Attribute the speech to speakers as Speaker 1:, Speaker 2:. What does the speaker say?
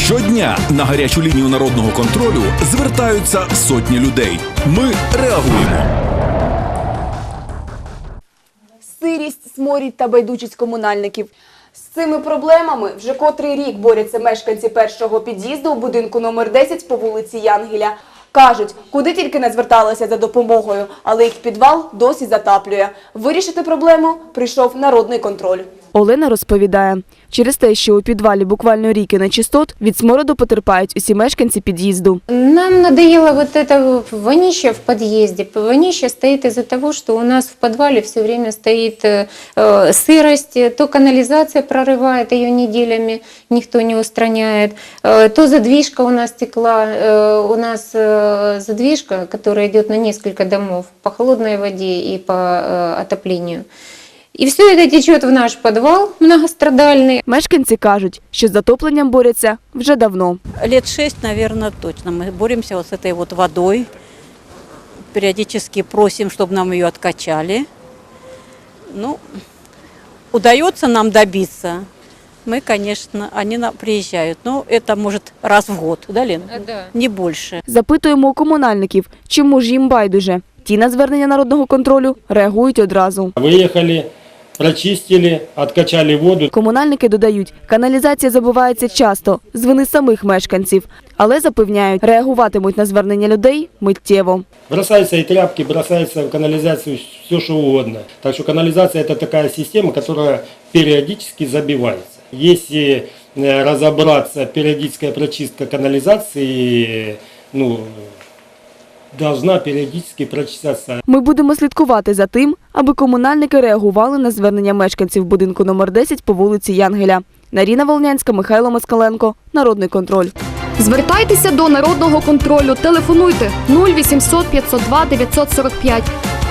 Speaker 1: Щодня на гарячу лінію народного контролю звертаються сотні людей. Ми реагуємо.
Speaker 2: Сирість, сморід та байдужість комунальників. З цими проблемами вже котрий рік борються мешканці першого під'їзду у будинку номер 10 по вулиці Янгеля. Кажуть, куди тільки не зверталися за допомогою, але їх підвал досі затаплює. Вирішити проблему прийшов народний контроль. Олена розповідає, через те, що у підвалі буквально ріки нечистот, від смороду потерпають усі мешканці під'їзду.
Speaker 3: Нам надоело вот это вонище в подъезде. Вонище стоит из-за того, что у нас в подвале все время стоит сырость, то канализация прорывает ее неделями, никто не устраняет, то задвижка у нас текла, у нас задвижка, которая идет на несколько домов по холодной воде и по отоплению. І все це тече в наш підвал многострадальний.
Speaker 2: Мешканці кажуть, що з затопленням борються вже давно.
Speaker 4: Лет 6, наверное, точно. Мы боремся вот с этой вот водой. Периодически просим, чтобы нам ее откачали. Ну, удается нам добиться. Мы, конечно, они приезжают, но это может раз в год, да, Лена?
Speaker 3: Да.
Speaker 4: Не больше.
Speaker 2: Запитуємо у комунальників, чому ж їм байдуже. Ті на звернення народного контролю реагують одразу.
Speaker 5: Виїхали, прочистили, откачали воду.
Speaker 2: Комунальники додають, каналізація забувається часто, з вини самих мешканців. Але запевняють, реагуватимуть на звернення людей миттєво.
Speaker 5: Бросаются и тряпки, бросается в канализацию все, что угодно. Так что канализация – это такая система, которая периодически забивается. Если разобраться, периодическая прочистка канализации, должна періодично прочищатися.
Speaker 2: Ми будемо слідкувати за тим, аби комунальники реагували на звернення мешканців будинку номер 10 по вулиці Янгеля. Наріна Волнянська, Михайло Москаленко. Народний контроль.
Speaker 6: Звертайтеся до народного контролю. Телефонуйте 0800 502 945.